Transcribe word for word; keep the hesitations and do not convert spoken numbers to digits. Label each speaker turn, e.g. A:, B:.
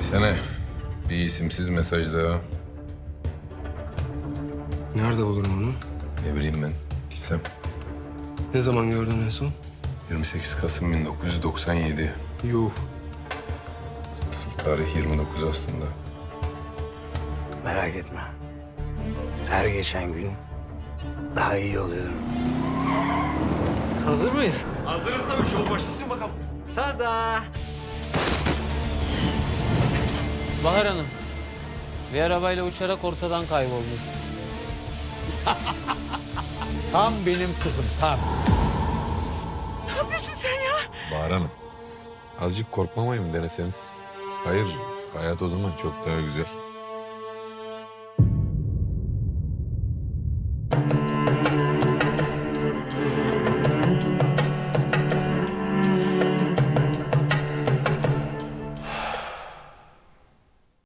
A: Desene. Bir isimsiz mesaj daha.
B: Nerede bulurum onu?
A: Ne bileyim ben. Bilsem.
B: Ne zaman gördün en son?
A: yirmi sekiz Kasım bin dokuz yüz doksan yedi.
B: Yuh.
A: Asıl tarih yirmi dokuz aslında.
C: Merak etme. Her geçen gün daha iyi oluyorum.
D: Hazır mıyız?
E: Hazırız tabii. Şov başlasın bakalım.
D: Tada! Bahar Hanım, bir arabayla uçarak ortadan kaybolmuş.
F: Tam benim kızım, tam.
A: Bahar Hanım. Azıcık korkmamayı mı deneseniz? Hayır, hayat o zaman çok daha güzel.